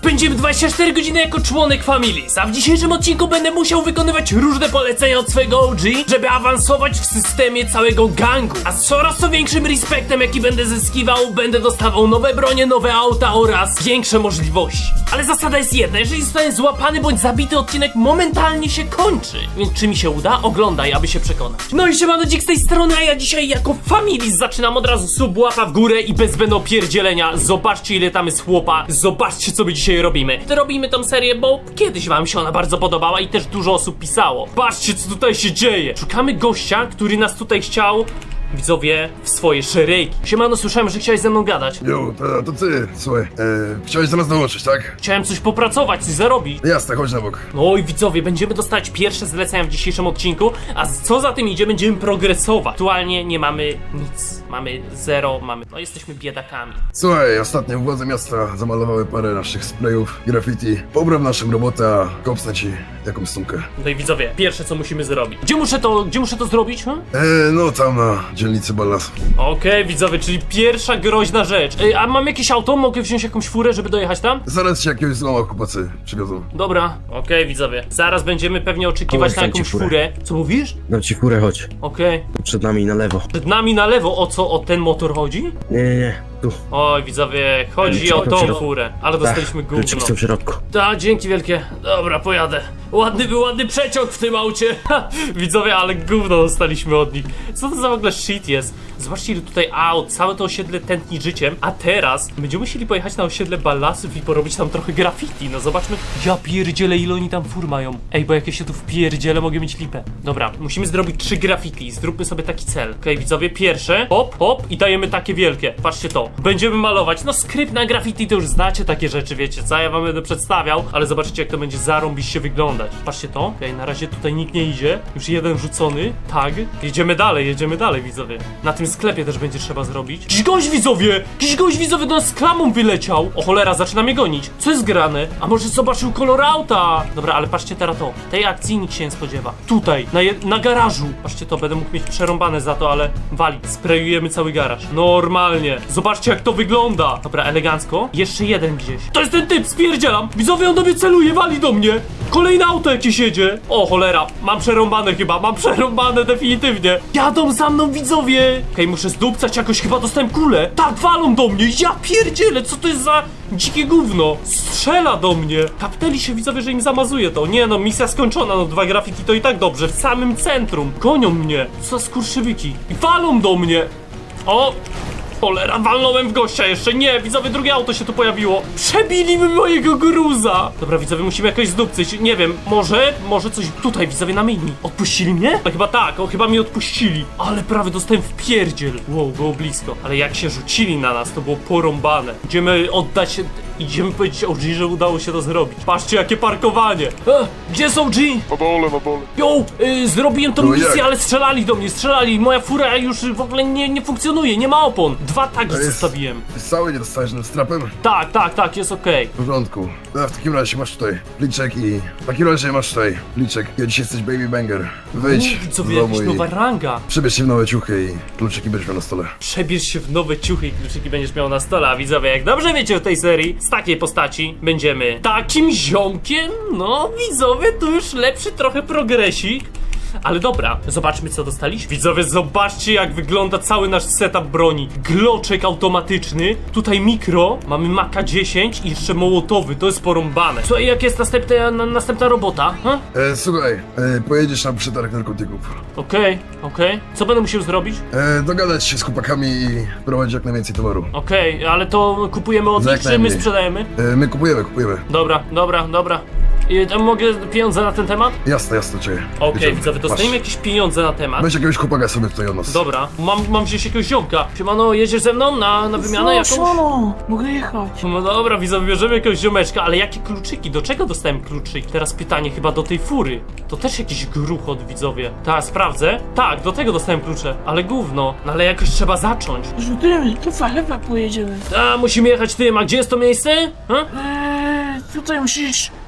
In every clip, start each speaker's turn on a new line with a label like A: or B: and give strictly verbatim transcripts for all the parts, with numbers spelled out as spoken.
A: spędzimy dwadzieścia cztery godziny jako członek Families, a w dzisiejszym odcinku będę musiał wykonywać różne polecenia od swojego O G, żeby awansować w systemie całego gangu. A z coraz to większym respektem, jaki będę zyskiwał, będę dostawał nowe bronie, nowe auta oraz większe możliwości. Ale zasada jest jedna, jeżeli zostanę złapany bądź zabity, odcinek momentalnie się kończy. Więc czy mi się uda? Oglądaj, aby się przekonać. No i siemano, Dzik z tej strony, a ja dzisiaj jako Families zaczynam od razu sub, łapa w górę i bez zbędnego pierdzielenia. Zobaczcie, ile tam jest chłopa, zobaczcie, co my dzisiaj robimy. To robimy tą serię, bo kiedyś wam się ona bardzo podobała i też dużo osób pisało. Patrzcie, co tutaj się dzieje. Szukamy gościa, który nas tutaj chciał, widzowie, w swoje szeregi. Siemano, słyszałem, że chciałeś ze mną gadać.
B: Jo, to, to ty, słuchaj, e, chciałeś do nas dołączyć, tak?
A: Chciałem coś popracować, coś zarobić.
B: Jasne, chodź na bok.
A: No i widzowie, będziemy dostawać pierwsze zlecenia w dzisiejszym odcinku, a co za tym idzie, będziemy progresować. Aktualnie nie mamy nic, mamy zero, mamy, no jesteśmy biedakami.
B: Słuchaj, ostatnio władze miasta zamalowały parę naszych sprayów, graffiti. Pobraw naszą robotę, a kopsnę ci jakąś sumkę.
A: No i widzowie, pierwsze co musimy zrobić. Gdzie muszę to, gdzie muszę to zrobić, hm?
B: E, no tam na dzielnicy Ballasu.
A: Okej, widzowie, czyli pierwsza groźna rzecz. Ej, a mam jakieś auto? Mogę wziąć jakąś furę, żeby dojechać tam?
B: Zaraz ci jakiegoś złoma chłopacy przywiozą.
A: Dobra, okej, widzowie. Zaraz będziemy pewnie oczekiwać
C: Chodź,
A: na
C: dam ci
A: jakąś
C: furę.
A: furę. Co mówisz?
C: Dam ci furę, chodź.
A: Okej.
C: Przed nami na lewo.
A: Przed nami na lewo, o co, o ten motor chodzi?
C: Nie, nie, nie. Tu.
A: Oj, widzowie, chodzi
C: Kluczyki
A: o
C: są w
A: tą
C: środku.
A: furę, ale dostaliśmy gówno.
C: Kluczyki są w środku.
A: Da, dzięki wielkie. Dobra, pojadę. Ładny był ładny przeciąg w tym aucie. Ha, widzowie, ale gówno dostaliśmy od nich. Co to za w ogóle shit jest? Zobaczcie, ile tutaj aut, całe to osiedle tętni życiem. A teraz będziemy musieli pojechać na osiedle Ballasów i porobić tam trochę graffiti. No zobaczmy. Ja pierdzielę, ile oni tam fur mają. Ej, bo jak ja się tu wpierdzielę, mogę mieć lipę. Dobra, musimy zrobić trzy graffiti. Zróbmy sobie taki cel. Okej, okay, widzowie, pierwsze. Hop, hop i dajemy takie wielkie. Patrzcie to. Będziemy malować. No skrypt na graffiti to już znacie takie rzeczy, wiecie co? Ja wam będę przedstawiał, ale zobaczcie, jak to będzie zarąbiście wyglądać. Patrzcie to. Okej, okay, na razie tutaj nikt nie idzie. Już jeden rzucony. Tag. Jedziemy dalej, jedziemy dalej, widzowie. Na tym sklepie też będzie trzeba zrobić. Jakiś gość, widzowie! Jakiś gość, widzowie, do nas z klamą wyleciał. O cholera, zaczyna mnie gonić. Co jest grane? A może zobaczył kolor auta? Dobra, ale patrzcie teraz to. Tej akcji nikt się nie spodziewa. Tutaj, na, je- na garażu. Patrzcie to, będę mógł mieć przerąbane za to, ale wali. Sprayujemy cały garaż. Normalnie. Zobaczcie, jak to wygląda. Dobra, elegancko. Jeszcze jeden gdzieś. To jest ten typ, spierdzielam. Widzowie, on do mnie celuje, wali do mnie. Kolejne auto jakieś jedzie. O cholera, mam przerąbane chyba, mam przerąbane definitywnie. Jadą za mną, widzowie. Okej, okay, muszę zdupcać jakoś, chyba dostałem kulę. Tak, walą do mnie, ja pierdzielę, co to jest za dzikie gówno. Strzela do mnie. Kapnęli się, widzowie, że im zamazuje to. Nie no, misja skończona, no dwa graffiti to i tak dobrze. W samym centrum. Gonią mnie. Co za skurczybyki. I walą do mnie. O! Cholera, walnąłem w gościa jeszcze, nie, widzowie, drugie auto się tu pojawiło. Przebili mi mojego gruza. Dobra, widzowie, musimy jakoś zdupcyć, nie wiem, może, może coś tutaj, widzowie, na mini. Odpuścili mnie? No chyba tak, o, chyba mnie odpuścili. Ale prawie dostałem w pierdziel. Wow, było blisko. Ale jak się rzucili na nas, to było porąbane. Idziemy oddać, idziemy powiedzieć O G, że udało się to zrobić. Patrzcie, jakie parkowanie. E, gdzie są G?
B: Na dole, na dole.
A: Yo, y, zrobiłem tą
B: No
A: misję,
B: jak?
A: ale strzelali do mnie, strzelali. Moja fura już w ogóle nie, nie funkcjonuje, nie ma opon. Dwa tagi
B: To jest-
A: zostawiłem.
B: Jest cały, nie dostajesz tym strapem?
A: Tak, tak, tak, jest okej.
B: W porządku. No, w takim razie masz tutaj pliczek i... W takim razie masz tutaj pliczek. Ja dzisiaj jesteś baby banger. Wyjdź
A: Okay.
B: z
A: Widzowie,
B: domu
A: jakaś
B: i
A: nowa ranga.
B: przebierz się w nowe ciuchy i kluczyki będziesz miał na stole.
A: Przebierz się w nowe ciuchy i kluczyki będziesz miał na stole, a widzowie, jak dobrze wiecie w tej serii, z takiej postaci będziemy takim ziomkiem. No, widzowie, tu już lepszy trochę progresik. Ale dobra, zobaczmy, co dostaliśmy. Widzowie, zobaczcie, jak wygląda cały nasz setup broni. Gloczek automatyczny, tutaj mikro, mamy Maka dziesięć i jeszcze mołotowy, to jest porąbane. Słuchaj, jak jest następna, na, następna robota? Ha?
B: E, słuchaj, e, pojedziesz na przetarg narkotyków.
A: Okej, okej. Co będę musiał zrobić?
B: E, dogadać się z chłopakami i prowadzić jak najwięcej towaru.
A: Okej, ale to kupujemy od
B: Za
A: nich,
B: jak
A: czy my
B: najmniej.
A: sprzedajemy?
B: E, my kupujemy, kupujemy.
A: Dobra, dobra, dobra. I tam mogę pieniądze na ten temat?
B: Jasne, jasne, czekaj.
A: Okej,
B: Bierzemy.
A: widzowie, dostajemy
B: Masz.
A: jakieś pieniądze na temat.
B: Weź jakiegoś chłopaka sobie tutaj od nas.
A: Dobra, mam, mam wziąć jakiegoś ziomka. Siemano, jedziesz ze mną na, na wymianę jakąś?
D: Siemano, mogę jechać.
A: No dobra, widzowie, bierzemy jakiegoś ziomeczka, ale jakie kluczyki? Do czego dostałem kluczyk? Teraz pytanie chyba do tej fury. To też jakiś gruchot, widzowie. Tak, sprawdzę. Tak, do tego dostałem klucze, ale gówno. No ale jakoś trzeba zacząć.
D: Rzutymy, lewa, lewa pojedziemy.
A: A, musimy jechać tym, a gdzie jest to miejsce? Ha?
D: Eee, tutaj musisz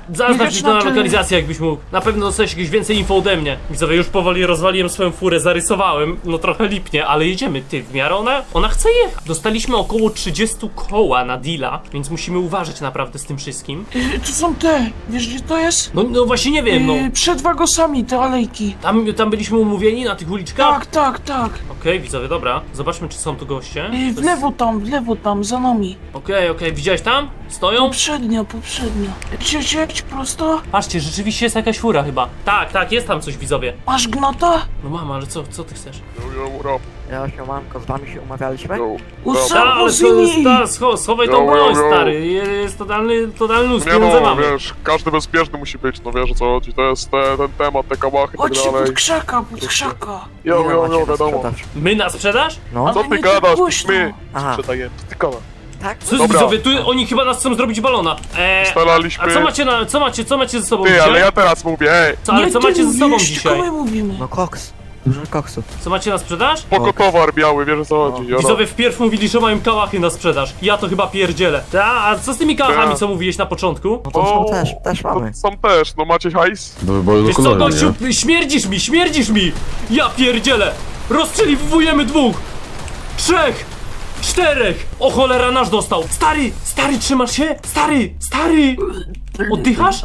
A: Zaznacz
D: Widać
A: mi to na
D: na tle-
A: lokalizację, jakbyś mógł. Na pewno dostałeś jakieś więcej info ode mnie. Widzowie, już powoli rozwaliłem swoją furę, zarysowałem. No trochę lipnie, ale jedziemy. Ty, w miarę ona, ona chce jechać. Dostaliśmy około trzydzieści koła na deala, więc musimy uważać naprawdę z tym wszystkim.
D: Y, to są te, wiesz gdzie to jest?
A: No, no właśnie nie wiem, no.
D: Y, przed wagosami te alejki.
A: Tam, tam byliśmy umówieni na tych uliczkach?
D: Tak, tak, tak.
A: Okej, widzowie, dobra. Zobaczmy, czy są tu goście.
D: Y,
A: To
D: w
A: jest-
D: lewo tam, w lewo tam, za nami.
A: Okej, okej, widziałeś tam? Stoją?
D: Poprzednio, poprzednio. Gdzie, gdzie, prosto?
A: Patrzcie, rzeczywiście jest jakaś fura chyba. Tak, tak, jest tam coś, widzowie.
D: Masz gnota?
A: No mama, ale co, co ty chcesz?
E: Yo, yo, what up?
F: Ja siemanko, z wami się umawialiśmy?
E: Yo.
D: Usa-
A: Ta, ale co,
D: Zini!
A: ta, scho, schowaj
E: Yo,
A: tą broń,
E: yo, yo.
A: stary. Jest totalny, totalny luz,
E: Nie
A: pieniądze
E: no,
A: mamy.
E: wiesz, każdy bezpieczny musi być, no wiesz o co chodzi, to jest te, ten temat, te kałachy i tak
D: Chodźcie
E: dalej.
D: pod krzaka, pod krzaka.
E: Yo,
F: Ile
E: yo,
F: macie
E: yo,
F: na
E: wiadomo.
F: sprzedaż?
A: My na sprzedaż?
F: No,
D: Ale
E: Co ty
D: nie tak
E: gadasz,
D: głośno.
E: my
F: Aha.
E: sprzedajemy, co ty gadasz?
F: tak?
A: Co
E: Dobra.
A: widzowie, tu oni chyba nas chcą zrobić balona. Eee,
E: Ustalaliśmy...
A: a co macie na, co macie, co macie ze sobą
E: Ty,
A: dzisiaj?
E: ale ja teraz mówię, ej,
A: Co, ale
D: Nie
A: co
D: ty
A: macie ze sobą
D: mówisz,
A: dzisiaj?
D: tylko my mówimy.
F: No koks. Dużo koksu.
A: Co macie na sprzedaż?
E: spoko towar biały, wiesz o co chodzi, jolo.
A: Widzowie wpierw mówili, że mają kałachy na sprzedaż. Ja to chyba pierdzielę. Ta, a co z tymi kałachami,
E: Ta.
A: co mówiłeś na początku?
F: No to
E: O,
F: są też, też
E: To
F: mamy.
E: są też, no macie hajs?
B: Do wyboru do
A: Wiesz co,
B: koloru,
A: gościu,
B: nie?
A: śmierdzisz mi, śmierdzisz mi! Ja pierdzielę! Rozstrzeliwujemy dwóch! Trzech! Czterech! O cholera, nasz dostał! Stary! Stary, trzymasz się? Stary! Stary! Oddychasz?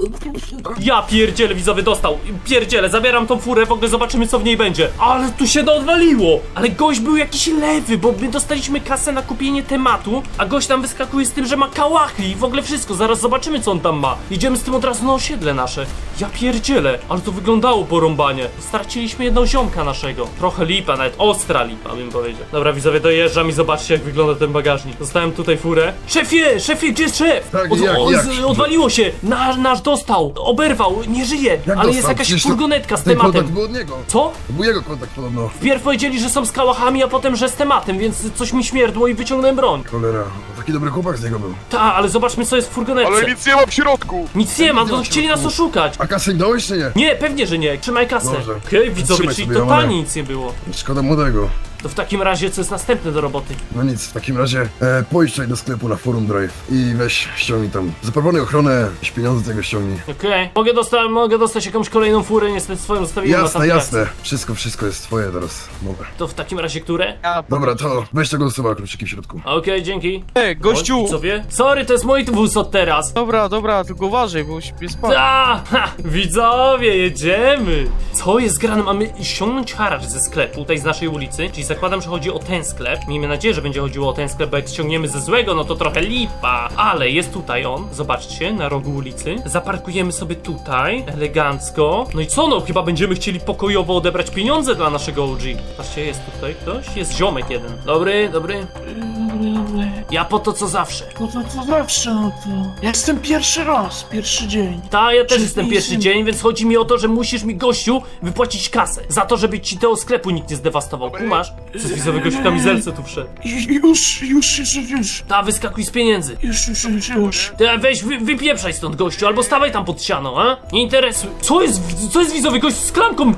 A: Ja pierdzielę, widzowie, dostał. Pierdzielę, zabieram tą furę, w ogóle zobaczymy, co w niej będzie. Ale tu się odwaliło! Ale gość był jakiś lewy, bo my dostaliśmy kasę na kupienie tematu, a gość tam wyskakuje z tym, że ma kałachy i w ogóle wszystko. Zaraz zobaczymy, co on tam ma. Idziemy z tym od razu na osiedle nasze. Ja pierdzielę, ale to wyglądało porąbanie. Straciliśmy jedną ziomka naszego. Trochę lipa, nawet ostra lipa, bym powiedział. Dobra, widzowie, dojeżdżam i zobaczcie, jak wygląda ten bagażnik. Zostałem tutaj furę. Szefie, szefie, gdzie jest szef?
B: Tak,
A: Od,
B: jak,
A: o,
B: jak?
A: z, odwaliło się! Nasz, nasz dostał! Oberwał! Nie żyje!
B: Jak
A: ale jest
B: dostał?
A: jakaś
B: Przecież to-
A: furgonetka z
B: Ten kontakt
A: tematem.
B: był od niego.
A: Co?
B: To był jego kontakt podobno.
A: Wpierw powiedzieli, że są z kałachami, a potem, że z tematem, więc coś mi śmierdło i wyciągnąłem broń.
B: Cholera, taki dobry chłopak z niego był.
A: Ta, ale zobaczmy, co jest w furgonetce.
E: Ale nic nie ma w środku!
A: Nic nie ma,
B: nie
A: to
B: ma w
A: chcieli nas
B: środku.
A: oszukać.
B: A kasę nie dałeś czy nie?
A: Nie, pewnie, że nie. Trzymaj kasę.
B: Dobrze.
A: Okej, widzowie,
B: Trzymaj
A: czyli
B: sobie,
A: totalnie
B: Romane.
A: nic nie było.
B: Szkoda młodego.
A: To w takim razie, co jest następne do roboty?
B: No nic, w takim razie e, pójdź tutaj do sklepu na Forum Drive i weź, ściągnij tam. Zaproponuj ochronę, jakieś pieniądze z tego ściągnij.
A: Okej. Mogę, dosta- mogę dostać jakąś kolejną furę, niestety swoją zostawiłem na
B: Jasne,
A: tamtej
B: jasne. Wszystko, wszystko jest twoje teraz. Dobra.
A: akcji. To w takim razie które?
B: Dobra, to weź tego usuwa kluczyki w środku.
A: Okej, dzięki.
G: Ej, gościu!
A: Co wie? Sorry, to jest mój wóz od teraz.
G: Dobra, dobra, tylko uważaj, bo śpię spać.
A: Ta, ha, widzowie, jedziemy! Co jest grane? Mamy ściągnąć haracz ze sklepu, tutaj z naszej ulicy, czyli zakładam, że chodzi o ten sklep. Miejmy nadzieję, że będzie chodziło o ten sklep, bo jak ściągniemy ze złego, no to trochę lipa. Ale jest tutaj on, zobaczcie, na rogu ulicy. Zaparkujemy sobie tutaj, elegancko. No i co no, chyba będziemy chcieli pokojowo odebrać pieniądze dla naszego O G. Patrzcie, jest tutaj ktoś? Jest ziomek jeden. Dobry, dobry.
D: Dobry, dobry.
A: Ja po to co zawsze.
D: No to, to zawsze, no to... Ja jestem pierwszy raz, pierwszy dzień.
A: Ta, ja też
D: Czy
A: jestem
D: pisem-
A: pierwszy dzień, więc chodzi mi o to, że musisz mi, gościu, wypłacić kasę. Za to, żeby ci tego sklepu nikt nie zdewastował. Kumasz? Co z widzowy gość w kamizelce tu wszedł.
D: Już, już, już, już, już.
A: Ta, wyskakuj z pieniędzy.
D: Już, już, już, już.
A: Ty, weź, wy, wypieprzaj stąd, gościu, albo stawaj tam pod ścianą, a? Nie interesuj. Co jest, co jest widzowy gość z klamką?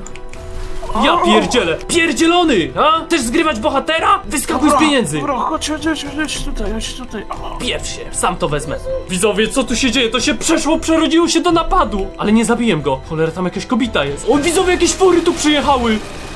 A: Ja pierdzielę. Pierdzielony, a? Chcesz zgrywać bohatera? Wyskakuj z pieniędzy.
D: Dobra, chodź, chodź, chodź, chodź tutaj, chodź tutaj. O.
A: Pieprz się, sam to wezmę. Widzowie, co tu się dzieje? To się przeszło, przerodziło się do napadu. Ale nie zabiłem go. Cholera, tam jakaś kobita jest. O, widzowie, jakieś fury tu przyjechały.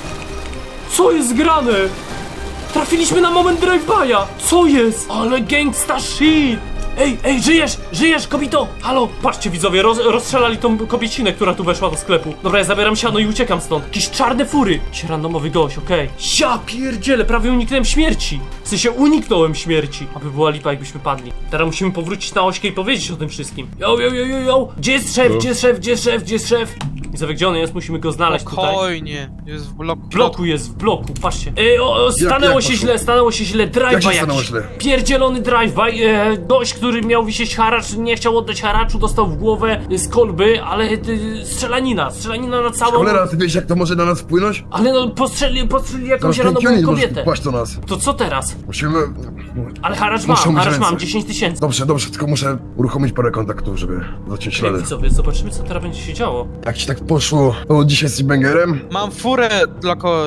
A: Co jest grane? Trafiliśmy na moment drive-by'a. Co jest? Ale gangsta shit. Ej, ej, żyjesz, żyjesz, kobito! Halo! Patrzcie, widzowie, roz, rozstrzelali tą kobiecinę, która tu weszła do sklepu. Dobra, ja zabieram siano i uciekam stąd. Jakieś czarne fury. Jakiś randomowy gość, okej. Ja pierdzielę, prawie uniknąłem śmierci. W sensie uniknąłem śmierci. Aby była lipa, jakbyśmy padli. Teraz musimy powrócić na ośkę i powiedzieć o tym wszystkim. Yo, yo, yo, yo, yo! Gdzie jest szef? Gdzie jest szef? Gdzie jest szef? Gdzie jest szef? Widzowie, gdzie on jest? Musimy go znaleźć tutaj.
G: Spokojnie, jest w bloku.
A: W bloku jest, w bloku, patrzcie. Ej, o, o, stanęło
B: jak
A: się
B: poszło?
A: źle, stanęło się źle,
B: Jak
A: drive-by
B: się stanęło
A: jakiś.
B: źle?
A: Pierdzielony drive-by, e, gość, który miał wisieć haracz, nie chciał oddać haraczu, dostał w głowę e, z kolby, ale e, strzelanina, strzelanina na całą...
B: Cholera, ty wiesz jak to może na nas wpłynąć?
A: Ale no, postrzeli, postrzeli jakąś
B: Zaraz
A: randomową
B: pięć
A: kobietę.
B: płaść do nas.
A: To co teraz?
B: Musimy...
A: Ale haracz
B: Muszą
A: mam,
B: być
A: haracz mam,
B: ręce.
A: dziesięć tysięcy.
B: Dobrze, dobrze, tylko muszę uruchomić parę kontaktów, żeby zacząć
A: Ej,
B: ślady.
A: widzowie, zobaczymy, co teraz będzie się działo.
B: Jak ci tak poszło, to dzisiaj jesteś bangerem?
G: Mam furę dla kogoś,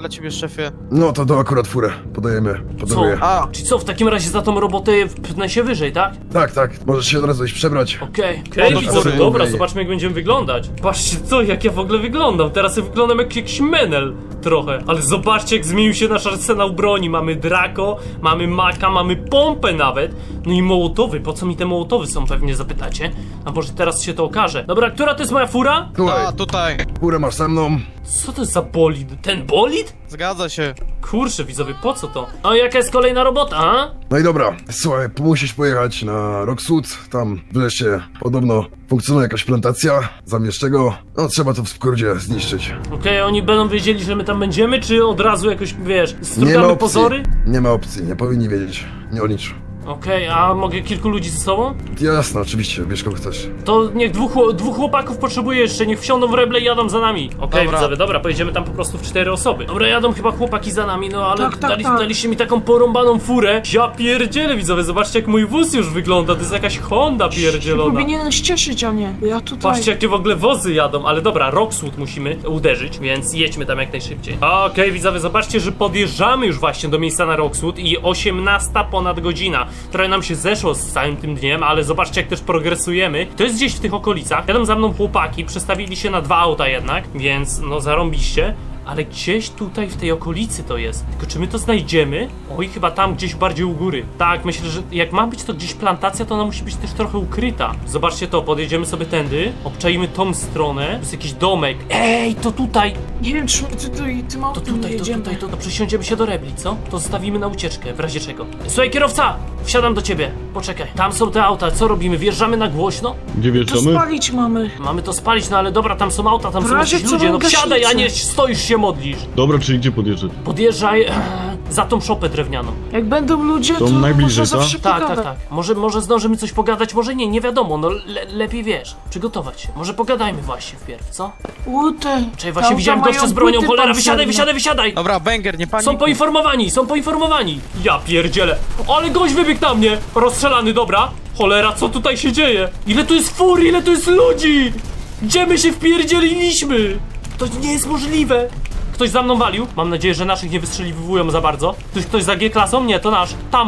G: dla ciebie, szefie.
B: No to to akurat furę podajemy,
A: Co?
B: podaruję.
G: A,
A: Czyli co, w takim razie za tą robotę pnę się wyżej, tak?
B: Tak, tak, możesz się od razu iść przebrać.
A: Okej, okej,
G: do
A: widzowie,
G: fury.
A: dobra, zobaczmy jak będziemy wyglądać. Patrzcie co, jak ja w ogóle wyglądam. Teraz ja wyglądam jak jakiś menel trochę. Ale zobaczcie jak zmienił się nasz arsenał broni. Mamy Draco, mamy Maka, mamy pompę nawet. No i mołotowy, po co mi te mołotowy są, pewnie zapytacie. A może teraz się to okaże. Dobra, która to jest moja fura?
B: Słuchaj,
G: a, tutaj.
B: furę masz ze mną.
A: Co to jest za bolid? Ten bolid?
G: Zgadza się.
A: Kurczę, widzowie, po co to? A jaka jest kolejna robota, a?
B: No i dobra, słuchaj, musisz pojechać na Rockwood, tam wreszcie podobno funkcjonuje jakaś plantacja, zamieszczego, no trzeba to w skrócie zniszczyć.
A: Okej, oni będą wiedzieli, że my tam będziemy, czy od razu jakoś, wiesz,
B: Nie ma
A: strugamy
B: opcji,
A: pozory?
B: nie ma opcji, nie powinni wiedzieć, nie o nicz.
A: Okej, a mogę kilku ludzi ze sobą?
B: Jasne, oczywiście, wiesz kogo chcesz.
A: To niech dwóch, chło- dwóch chłopaków potrzebuje jeszcze, niech wsiądą w reble i jadą za nami. Okej,
G: Dobra.
A: widzowie, dobra, pojedziemy tam po prostu w cztery osoby. Dobra, jadą chyba chłopaki za nami, no ale
D: Tak, tak,
A: dali,
D: tak.
A: daliście mi taką porąbaną furę. Ja pierdzielę, widzowie, zobaczcie jak mój wóz już wygląda, to jest jakaś Honda pierdzielona.
D: Powinieneś cieszyć, a nie. Ja tutaj...
A: Patrzcie jakie w ogóle wozy jadą, ale dobra, Rockwood musimy uderzyć, więc jedźmy tam jak najszybciej. Okej, widzowie, zobaczcie, że podjeżdżamy już właśnie do miejsca na Rockwood i osiemnasta ponad godzina, która nam się zeszło z całym tym dniem, ale zobaczcie jak też progresujemy. To jest gdzieś w tych okolicach. Jadą za mną chłopaki, przestawili się na dwa auta jednak, więc no zarąbiście. Ale gdzieś tutaj w tej okolicy to jest. Tylko czy my to znajdziemy? Oj, chyba tam gdzieś bardziej u góry. Tak, myślę, że jak ma być to gdzieś plantacja, to ona musi być też trochę ukryta. Zobaczcie to, podjedziemy sobie tędy, obczajmy tą stronę. To jest jakiś domek. Ej, to tutaj!
D: Nie wiem, czy my tutaj tym
A: To
D: autem
A: tutaj, to
D: jedziemy.
A: tutaj, to, to przesiądziemy się do rebli, co? To zostawimy na ucieczkę, w razie czego. Słuchaj, kierowca! Wsiadam do ciebie. Poczekaj. Tam są te auta, co robimy? Wjeżdżamy na głośno?
H: Gdzie
D: To
H: wjeżdżamy?
D: spalić mamy.
A: Mamy to spalić, no ale dobra, tam są auta, tam
D: W
A: są
D: razie
A: jakieś
D: co
A: ludzie.
D: mam
A: No wsiadaj, a
D: gaśnicę.
A: nie stoisz się modlisz.
H: Dobra, czyli gdzie podjeżdżać?
A: Podjeżdżaj e, za tą szopę drewnianą.
D: Jak będą ludzie, to,
H: To najbliżej,
D: można
H: tak?
D: zawsze
A: Tak, tak,
D: pogadać.
A: tak. Może, może zdążymy coś pogadać, może nie, nie wiadomo, no le, lepiej wiesz, przygotować się. Może pogadajmy właśnie wpierw, co?
D: Łute.
A: Czekaj, właśnie widziałem gościa z bronią, cholera, wysiadaj, wysiadaj, wysiadaj!
G: Dobra, banger, nie panikuj.
A: Są poinformowani, są poinformowani! Ja pierdzielę! Ale gość wybiegł na mnie! Rozstrzelany, dobra! Cholera, co tutaj się dzieje? Ile tu jest fur, ile tu jest ludzi! Gdzie my się wpierdzieliliśmy? To nie jest możliwe! Ktoś za mną walił? Mam nadzieję, że naszych nie wystrzeliwują za bardzo. Ktoś, ktoś za G-klasą? Nie, to nasz. Tam!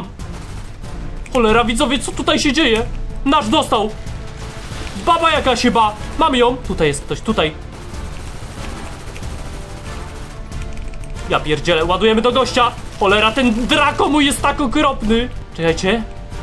A: Cholera, widzowie, co tutaj się dzieje? Nasz dostał! Baba jakaś chyba! Mam ją! Tutaj jest ktoś, tutaj. Ja pierdzielę, ładujemy do gościa! Cholera, ten Draco mój jest tak okropny! Czekajcie.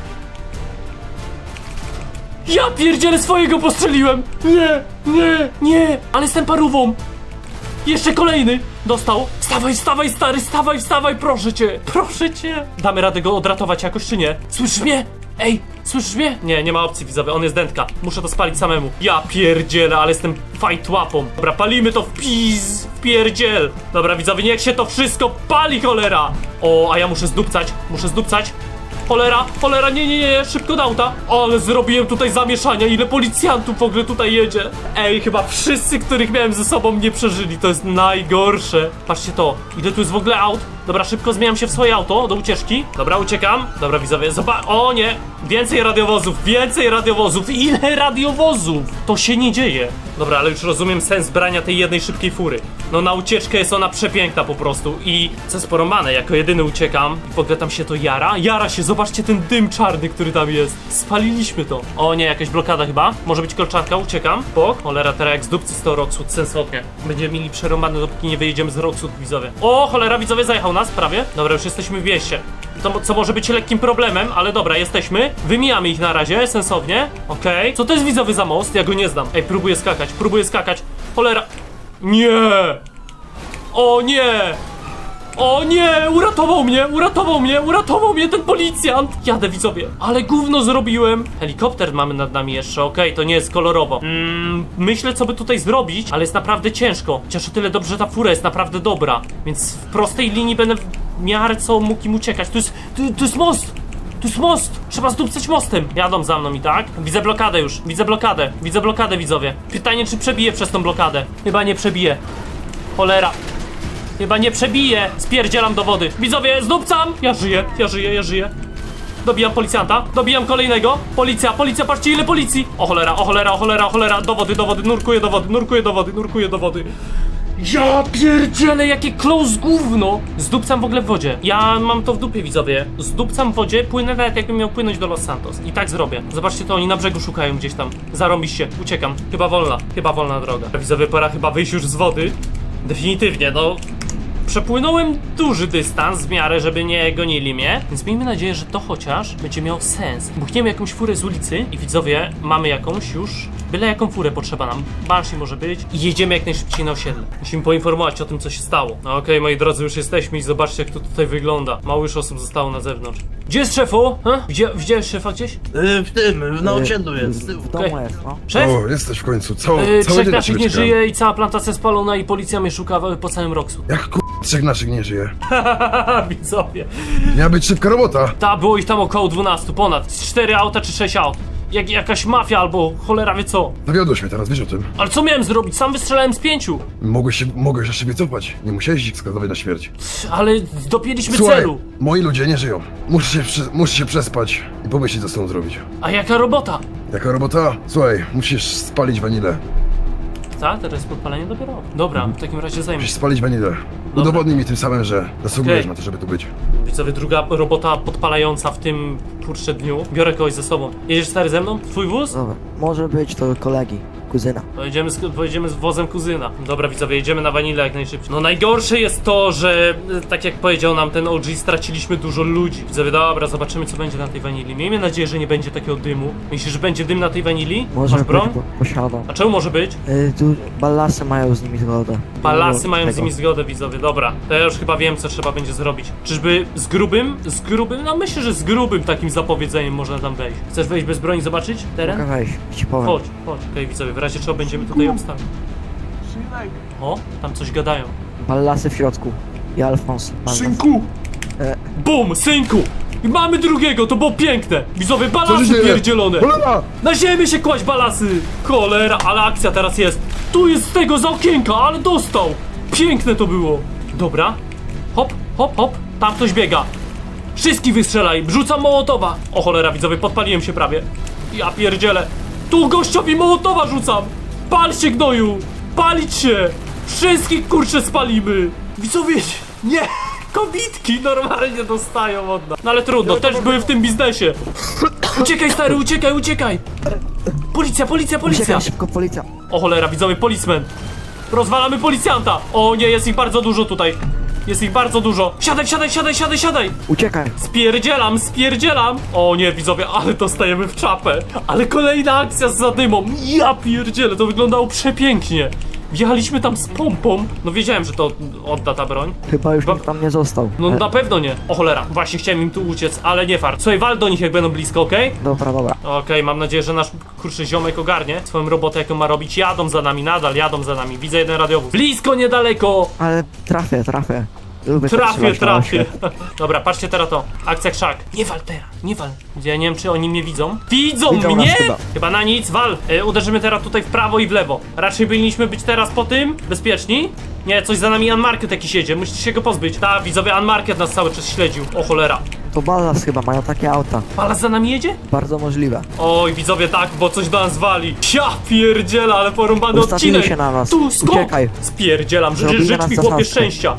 A: Ja pierdzielę, swojego postrzeliłem! Nie, nie, nie! Ale jestem parówą! Jeszcze kolejny! Dostał! Wstawaj, wstawaj, stary, wstawaj, wstawaj, proszę cię! Proszę cię! Damy radę go odratować jakoś, czy nie? Słyszysz mnie? Ej, słyszysz mnie? Nie, nie ma opcji, widzowie, on jest dętka. Muszę to spalić samemu. Ja pierdzielę, ale jestem fight łapą. Dobra, palimy to w piz, w pierdziel. Dobra, widzowie, niech się to wszystko pali, cholera! O, a ja muszę zdupcać, muszę zdupcać. Cholera, cholera, nie, nie, nie, szybko do auta. Ale zrobiłem tutaj zamieszania, ile policjantów w ogóle tutaj jedzie. Ej, chyba wszyscy, których miałem ze sobą, nie przeżyli, to jest najgorsze. Patrzcie to, ile tu jest w ogóle aut. Dobra, szybko zmieniam się w swoje auto do ucieczki. Dobra, uciekam. Dobra, widzowie, zobacz, o nie. Więcej radiowozów, więcej radiowozów. Ile radiowozów? To się nie dzieje. Dobra, ale już rozumiem sens brania tej jednej szybkiej fury. No na ucieczkę jest ona przepiękna po prostu. I co jest porąbane, jako jedyny uciekam. I w ogóle tam się to jara. Jara się, zobaczcie ten dym czarny, który tam jest. Spaliliśmy to. O nie, jakaś blokada chyba. Może być kolczanka, uciekam. Bok. Cholera, teraz jak z dupcy z to Rockwood, sensownie. Będziemy mieli przerąbane, dopóki nie wyjedziemy z Rockwood, widzowie. O, cholera, widzowie, zajechał nas prawie. Dobra, już jesteśmy w mieście. To, co może być lekkim problemem, ale dobra, jesteśmy. Wymijamy ich na razie, sensownie. Okej. Okay. Co to jest, widzowie, za most? Ja go nie znam. Ej, próbuję skakać, próbuję skakać. Cholera. Nie! O nie! O nie! Uratował mnie! Uratował mnie! Uratował mnie ten policjant! Jadę, widzowie. Ale gówno zrobiłem. Helikopter mamy nad nami jeszcze, okej, okay, to nie jest kolorowo. Mm, myślę, co by tutaj zrobić, ale jest naprawdę ciężko. Chociaż o tyle dobrze, że ta fura jest naprawdę dobra. Więc w prostej linii będę w miarę co mógł im uciekać. Tu jest, tu, tu jest most! Tu jest most! Trzeba zdupcać mostem! Jadą za mną i tak? Widzę blokadę już. Widzę blokadę. Widzę blokadę, widzowie. Pytanie, czy przebiję przez tą blokadę. Chyba nie przebiję. Cholera. Chyba nie przebiję. Spierdzielam do wody. Widzowie, zdupcam! Ja żyję, ja żyję, ja żyję. Dobijam policjanta, dobijam kolejnego. Policja, policja, patrzcie ile policji. O cholera, o cholera, o cholera, o cholera. Do wody, do wody, nurkuję do wody, nurkuję do wody, nurkuję do wody. Ja pierdzielę, jakie close gówno! Zdupcam w ogóle w wodzie. Ja mam to w dupie, widzowie. Zdupcam w wodzie, płynę nawet jakbym miał płynąć do Los Santos. I tak zrobię. Zobaczcie to, oni na brzegu szukają gdzieś tam. Zarąbiście, uciekam. Chyba wolna, chyba wolna droga. Widzowie, pora chyba wyjść już z wody. Definitywnie, no... Przepłynąłem duży dystans w miarę, żeby nie gonili mnie, więc miejmy nadzieję, że to chociaż będzie miał sens. Buchniemy jakąś furę z ulicy i widzowie, mamy jakąś już, byle jaką furę potrzeba nam. Banshee może być i jedziemy jak najszybciej na osiedle. Musimy poinformować o tym, co się stało. No okej, moi drodzy, już jesteśmy i zobaczcie, jak to tutaj wygląda. Mało już osób zostało na zewnątrz. Gdzie jest szefu? Ha? Widzia widziałeś szefa gdzieś?
H: Yy, w tym, na osiedlu jest, z tyłu.
F: W domu
A: Okej.
F: jest, no.
A: Szef?
B: O, jesteś w końcu. Co,
A: Yy,
B: cały
A: trzech
B: dzień na
A: naszych
B: ciebie
A: nie
B: czekałem.
A: żyje i cała plantacja spalona i policja mnie szuka po całym Roxu.
B: Jak k***, trzech naszych nie żyje.
A: Hahaha, widzowie.
B: Miała być szybka robota.
A: Ta, było ich tam około dwunastu, ponad. cztery auta czy sześć aut. Jak, jakaś mafia albo cholera wie co.
B: Zawiodłeś mnie teraz, wiesz o tym.
A: Ale co miałem zrobić? Sam wystrzelałem z pięciu.
B: Mogłeś się, mogłeś jeszcze wycofać. Nie musiałeś ich skazować na śmierć.
A: Ale dopięliśmy
B: Słuchaj,
A: celu.
B: moi ludzie nie żyją. Muszę się, przy, muszę się przespać i pomyśleć, co z tą zrobić.
A: A jaka robota?
B: Jaka robota? Słuchaj, musisz spalić wanilę.
A: Ta, teraz jest podpalenie dopiero. Dobra, w takim razie zajmę
B: Musisz
A: się.
B: spalić wanilę. Udowodnij mi tym samym, że zasługujesz
A: Okej.
B: na to, żeby tu być.
A: Widzowie, druga robota podpalająca w tym kurczę dniu. Biorę kogoś ze sobą. Jedziesz stary ze mną? Twój wóz?
F: Dobra, może być to kolegi, kuzyna.
A: Pojedziemy z, pojedziemy z wozem kuzyna. Dobra, widzowie, jedziemy na wanilę jak najszybciej. No najgorsze jest to, że e, tak jak powiedział nam ten O G, straciliśmy dużo ludzi. Widzowie, dobra, zobaczymy co będzie na tej wanili. Miejmy nadzieję, że nie będzie takiego dymu. Myślisz, że będzie dym na tej wanili?
F: Może
A: Masz broń?
F: być, bo posiadam.
A: A czemu może być?
F: Y, tu ballasy mają z nimi zgodę.
A: Balasy
F: Tego.
A: mają z nimi zgodę, widzowie, dobra. To ja już chyba wiem, co trzeba będzie zrobić. Czyżby z grubym? Z grubym? No myślę, że z grubym takim zapowiedzeniem można tam wejść. Chcesz wejść bez broni, zobaczyć teren?
F: Mogę wejść, ci powiem.
A: Chodź, chodź. Okej, widzowie, w razie czego będziemy tutaj obstawić. O, tam coś gadają.
F: Ballasy w środku. I Alfons. Ballas.
A: Synku!
F: E.
A: Bum, synku! I mamy drugiego, to było piękne! Widzowie,
B: Co
A: balasy
B: się dzieje?
A: pierdzielone!
B: Cholera!
A: Na ziemię się kłaść balasy! Cholera, ale akcja teraz jest! Tu jest z tego za okienka, ale dostał! Piękne to było! Dobra. Hop, hop, hop. Tam ktoś biega. Wszystkich wystrzelaj, rzucam mołotowa! O cholera, widzowie, podpaliłem się prawie. Ja pierdzielę. Tu gościowi mołotowa rzucam! Pal się, gnoju! Palić się! Wszystkich kurczę spalimy! Widzowie, nie! Kobitki normalnie dostają od nas. No ale trudno, też były w tym biznesie. Uciekaj, stary, uciekaj, uciekaj! Policja, policja, policja!
F: Uciekaj szybko, policja.
A: O cholera, widzowie, policeman! Rozwalamy policjanta! O nie, jest ich bardzo dużo tutaj! Jest ich bardzo dużo! Siadaj, siadaj, siadaj, siadaj, siadaj!
F: Uciekaj.
A: Spierdzielam, spierdzielam! O nie, widzowie, ale dostajemy w czapę! Ale kolejna akcja z zadymą! Ja pierdzielę, to wyglądało przepięknie! Wjechaliśmy tam z pompą. No wiedziałem, że to odda ta broń.
F: Chyba już
A: Ba-
F: nikt tam nie został.
A: No
F: E,
A: na pewno nie. O cholera, właśnie chciałem im tu uciec, ale nie fart. Słuchaj, wal do nich jak będą blisko, okej?
F: Dobra, dobra.
A: Okej, mam nadzieję, że nasz kurczę ziomek ogarnie swoją robotę, jaką ma robić. Jadą za nami, nadal jadą za nami. Widzę jeden radiowóz. Blisko, niedaleko!
F: Ale trafię, trafię. Lubię tak
A: Trafię,
F: strzelać na
A: trafię.
F: osie.
A: Dobra, patrzcie teraz to. Akcja krzak. Nie wal teraz, nie wal. Ja nie wiem, czy oni mnie widzą. Widzą,
F: Widzą
A: mnie?
F: nas chyba.
A: Chyba na nic, wal. E, uderzymy teraz tutaj w prawo i w lewo. Raczej powinniśmy być teraz po tym bezpieczni. Nie, coś za nami Unmarket jakiś jedzie. Musicie się go pozbyć. Ta, widzowie, Unmarket nas cały czas śledził. O cholera.
F: To ballas chyba, mają takie auta.
A: Palas za nami jedzie?
F: Bardzo możliwe.
A: Oj, widzowie, tak, bo coś do nas wali. Ja pierdziela, ale porąbany
F: Ustawili
A: odcinek.
F: się na nas.
A: Tu, skok!
F: Uciekaj.
A: Spierdzielam, Ży-
F: Zrobili
A: życz
F: nas
A: mi chłopie
F: zasadzkę.
A: szczęścia.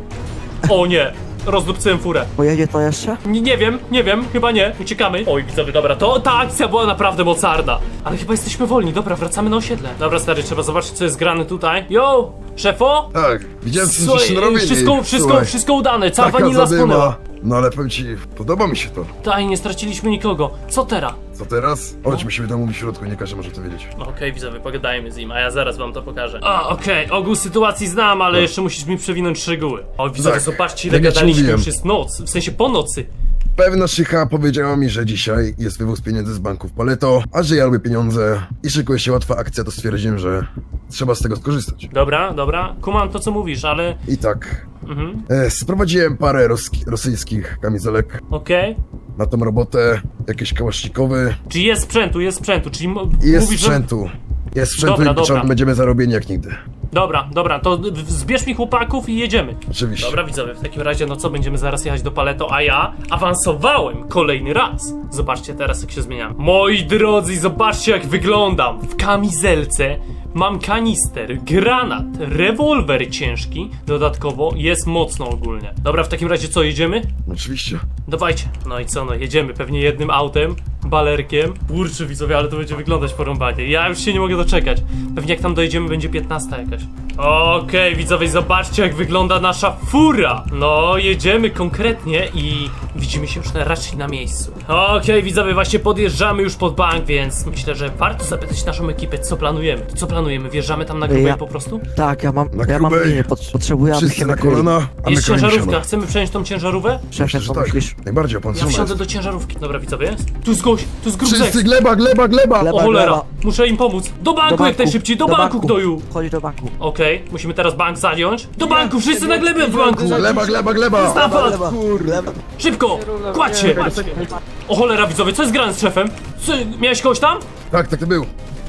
A: O nie, rozdupcyłem furę.
F: Pojedzie to jeszcze?
A: Nie, nie wiem, nie wiem, chyba nie. Uciekamy. Oj, widzowie, dobra, to ta akcja była naprawdę mocarna. Ale chyba jesteśmy wolni, dobra, wracamy na osiedle. Dobra, stary, trzeba zobaczyć, co jest grane tutaj. Yo, szefo?
B: Tak, widziałem, co
A: Słuchaj,
B: żeście narobili.
A: wszystko, wszystko,
B: Słuchaj,
A: wszystko udane, cała
B: taka
A: wanila
B: zadyma.
A: spłynęła.
B: No ale powiem ci, podoba mi się to.
A: Taj, nie straciliśmy nikogo. Co teraz?
B: Co teraz? Chodź, musimy tam mówić w środku, nie każdy może to wiedzieć.
A: No okej, widzowie, pogadajmy z nim, a ja zaraz wam to pokażę. A, okej, ogół sytuacji znam, ale jeszcze musisz mi przewinąć szczegóły. O, widzowie,
B: Tak,
A: zobaczcie, ile
B: jak ja ci
A: gadaliśmy,
B: mówiłem.
A: już jest noc, w sensie po nocy.
B: Pewna szycha powiedziała mi, że dzisiaj jest wywóz pieniędzy z banków Paleto, a że ja lubię pieniądze i szykuje się łatwa akcja, to stwierdziłem, że trzeba z tego skorzystać.
A: Dobra, dobra, kumam to, co mówisz, ale...
B: I tak,
A: Mhm,
B: e, sprowadziłem parę roski- rosyjskich kamizelek
A: okej.
B: na tą robotę, jakieś kałasznikowy
A: Czy jest sprzętu, jest sprzętu, czyli mo-
B: i jest
A: mówisz, że...
B: sprzętu. Jest sprzętu
A: Dobra,
B: i
A: dobra.
B: początek będziemy zarobieni jak nigdy.
A: Dobra, dobra, to w- zbierz mi chłopaków i jedziemy.
B: Oczywiście.
A: Dobra, widzowie, w takim razie, no co, będziemy zaraz jechać do Paleto, a ja awansowałem kolejny raz. Zobaczcie teraz, jak się zmieniam. Moi drodzy, zobaczcie, jak wyglądam. W kamizelce, mam kanister, granat, rewolwer ciężki, dodatkowo jest mocno ogólnie. Dobra, w takim razie co, jedziemy?
B: Oczywiście.
A: Dawajcie. No i co, no jedziemy pewnie jednym autem, balerkiem. Kurczę widzowie, ale to będzie wyglądać porąbanie. Ja już się nie mogę doczekać. Pewnie jak tam dojedziemy, będzie piętnasta jakaś. Okej, widzowie, zobaczcie jak wygląda nasza fura. No, jedziemy konkretnie i widzimy się już na, raczej na miejscu. Okej, widzowie, właśnie podjeżdżamy już pod bank, więc myślę, że warto zapytać naszą ekipę, co planujemy. Co planujemy? Wjeżdżamy tam na grubej
F: Ja-
A: po prostu?
F: Tak, ja mam,
B: Na
F: ja mam
B: grubej.
F: linię, pot, potrzebuję, aby
B: Wszyscy
F: się
B: na
F: nakryli.
B: kolana, a my
A: Jest
B: kroimy
A: ciężarówka,
B: siano.
A: chcemy przejąć tą ciężarówkę?
F: Szefie,
B: Myślę, że
F: co
B: tak.
F: myślisz?
B: Najbardziej, a pan
A: Ja
B: co
A: wsiądę
B: jest?
A: do ciężarówki. Dobra, widzowie, jest? Tu jest gość, tu jest grubzek.
B: Wszyscy gleba, gleba, gleba!
F: Gleba.
A: O cholera,
F: gleba.
A: muszę im pomóc. Do banku, jak najszybciej, do, banku, gnoju.
F: Chodź do banku.
A: Okej, musimy teraz bank zająć. Do banku, wszyscy na glebę w banku.
B: Gleba, gleba, gleba!
A: Napad!
F: Gleba, gleba.
A: Szybko, kładź się. O cholera, widzowie, co jest grane z szefem? Co, miałeś kogoś tam?
B: Tak, tak to był.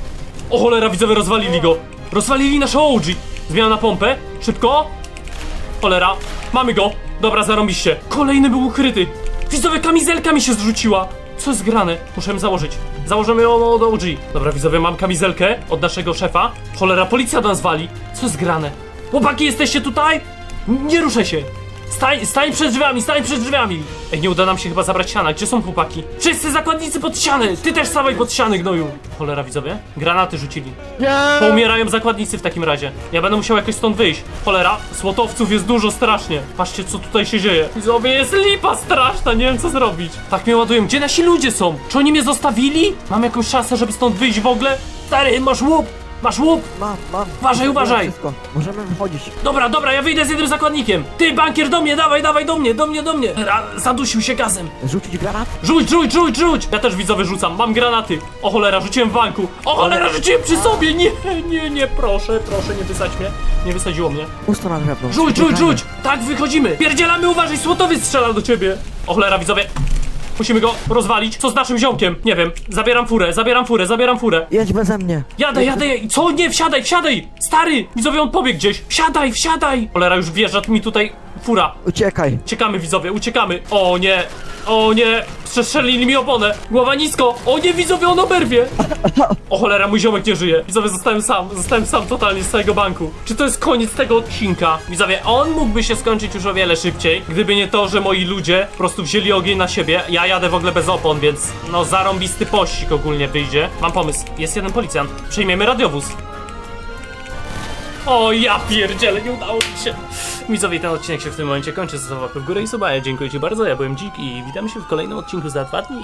A: O cholera, widzowie, rozwalili go. Rozwalili naszą O G. Zmiana na pompę, szybko. Cholera, mamy go. Dobra, zarąbiście. Kolejny był ukryty. Widzowie, kamizelka mi się zrzuciła. Co jest grane? Muszę ją założyć. Założymy ją od O G. Dobra, widzowie, mam kamizelkę od naszego szefa. Cholera, policja do nas wali. Co jest grane? Chłopaki, jesteście tutaj? Nie ruszę się. Stań, stań przed drzwiami, stań przed drzwiami. Ej, nie uda nam się chyba zabrać siana. Gdzie są chłopaki? Wszyscy zakładnicy pod ściany. Ty też stawaj pod ściany, gnoju. Cholera, widzowie. Granaty rzucili. Poumierają zakładnicy w takim razie. Ja będę musiał jakoś stąd wyjść. Cholera, słotowców jest dużo strasznie. Patrzcie, co tutaj się dzieje. Widzowie, jest lipa straszna, nie wiem co zrobić. Tak mnie ładują. Gdzie nasi ludzie są? Czy oni mnie zostawili? Mam jakąś szansę, żeby stąd wyjść w ogóle? Stary, masz łup! Masz łup!
F: Mam, mam.
A: Uważaj, uważaj.
F: Wszystko. Możemy wychodzić.
A: Dobra, dobra, ja wyjdę z jednym zakładnikiem. Ty, bankier, do mnie, dawaj, dawaj, do mnie, do mnie, do mnie. Ra, zadusił się gazem.
F: Rzucić granat?
A: Rzuć, rzuć, rzuć, rzuć! Ja też widzowie rzucam, mam granaty. O cholera, rzuciłem w banku. O cholera, rzuciłem przy sobie! Nie, nie, nie, proszę, proszę, nie wysadź mnie. Nie wysadziło mnie.
F: Pusto na drewno.
A: Rzuć, rzuć,
F: Uciekamy.
A: rzuć! Tak, wychodzimy! Pierdzielamy, uważaj, słotowiec strzela do ciebie! O cholera, widzowie. Musimy go rozwalić. Co z naszym ziomkiem? Nie wiem. Zabieram furę, zabieram furę, zabieram furę.
F: Jedź beze mnie.
A: Jadę, jadę, co? Nie, wsiadaj, wsiadaj! Stary! Widzowie, on pobiegł gdzieś. Wsiadaj, wsiadaj! Cholera, już wjeżdża mi tutaj fura.
F: Uciekaj.
A: Uciekamy, widzowie, uciekamy. O nie, o nie, przestrzelili mi oponę. Głowa nisko. O nie, widzowie, on oberwie. O cholera, mój ziomek nie żyje. Widzowie, zostałem sam, zostałem sam totalnie z całego banku. Czy to jest koniec tego odcinka? Widzowie, on mógłby się skończyć już o wiele szybciej, gdyby nie to, że moi ludzie po prostu wzięli ogień na siebie. Ja jadę w ogóle bez opon, więc no zarąbisty pościg ogólnie wyjdzie. Mam pomysł, jest jeden policjant. Przejmiemy radiowóz. O ja pierdzielę, nie udało mi się. Widzowie, ten odcinek się w tym momencie kończy. Zostaw łapkę w górę i suba. Ja dziękuję ci bardzo, ja byłem Dzik i witamy się w kolejnym odcinku za dwa dni.